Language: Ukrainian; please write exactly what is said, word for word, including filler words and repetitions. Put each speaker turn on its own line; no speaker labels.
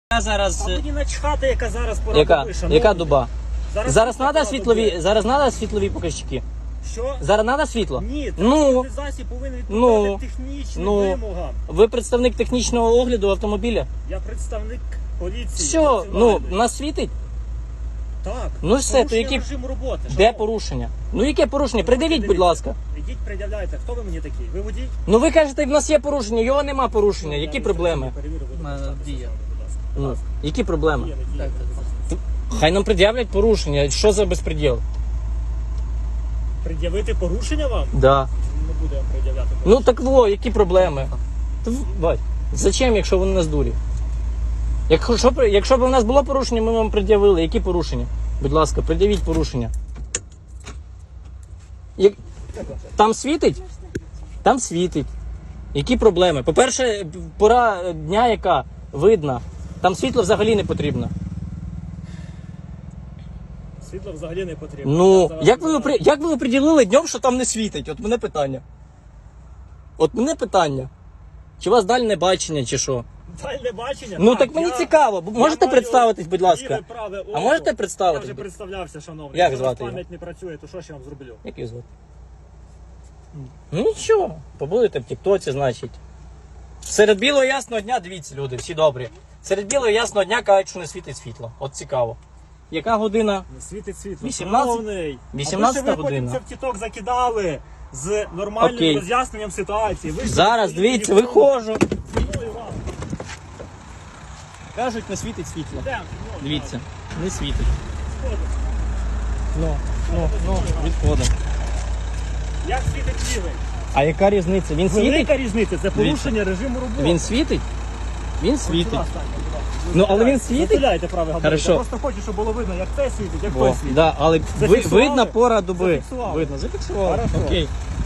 Я зараз...
А мені начхати, яка зараз пора
Яка?
доби, шановні.
Яка доба?
Зараз,
Зараз
пора
треба
доби.
світлові, зараз треба світлові показчики.
Що?
Зараз треба світло?
Ні,
Ну.
транспортний засіб повинен відповідати
Ну.
технічним
Ну.
вимогам.
Ви представник технічного огляду автомобіля?
Я представник поліції.
Все, ну,
національної.
нас світить?
Так.
Ну все, то
Порушення
які...
режиму роботи.
Де
шановні.
порушення? Ну яке порушення? Придивіть, будь ласка.
Ідіть, пред'являйте. Хто ви мені такий? Ви водій?
Ну ви кажете, в нас є порушення, його нема порушення. Які проблеми?
Перевірю, ви
Мене
дописатися
діє.
з вами, будь ласка. Будь
Ну,
ласка.
які проблеми?
Діє, не діє, будь ласка.
Хай нам пред'являть порушення. Що за безпреділ?
Пред'явити порушення вам?
Да.
Не буде вам пред'являти
Ну
порушення.
так во, які проблеми? Та в- Бать, зачем, якщо вони нас дурі? Якщо, б- якщо б у нас було порушення, ми вам пред'явили. Які порушення? Будь ласка, пред'явіть порушення. Як... Там світить? Там світить. Які проблеми? По-перше, пора дня яка видна. Там світло взагалі не потрібно.
Світло взагалі не потрібно.
Ну,
Я за вас
як ви,
не
опри- як ви оприділили днем, що там не світить? От мене питання. От мене питання. Чи у вас дальне бачення, чи що?
Дальне бачення?
Ну так мені
я-
цікаво. Б-
я
Можете
маю
представитись, будь ласка?
ліве, праве
А
око.
можете
Я
представитись?
вже представлявся, шановний.
Як
Якщо у вас
звати його?
пам'ять не працює, то що ж я вам зроблю?
Як її звати? Ну нічого, побудете в Тіктоці, значить. Серед білого ясного дня, дивіться, люди, всі добрі. Серед білого ясного дня кажуть, що не світить світло. От цікаво. Яка година?
Не світить світло.
вісімнадцята?
Шановний.
вісімнадцята
А ви
година.
ще ви потім це в тіток закидали з нормальним
Окей.
роз'ясненням ситуації. Ви ж
Зараз,
свої
дивіться,
телефони-
виходжу.
Мною вам.
Кажуть, не світить світло.
Йдемо, мною
Дивіться, не світить.
вам. Сходимо.
Ну, ну, ну, відходимо.
Як світить лівий?
А яка різниця? Він світить?
Велика різниця, це порушення режиму роботи.
Він світить? Він
Ось
світить.
сюди станьте, будь ласка.
Ну, але він світить?
Затуляйте правий габарит.
Хорошо.
Я просто хочу, щоб було видно, як це світить, як
О,
той світить.
да, але ви,
Зафіксували?
видно пора доби.
Зафіксували.
Видно, зафіксували.
Хорошо.
Окей.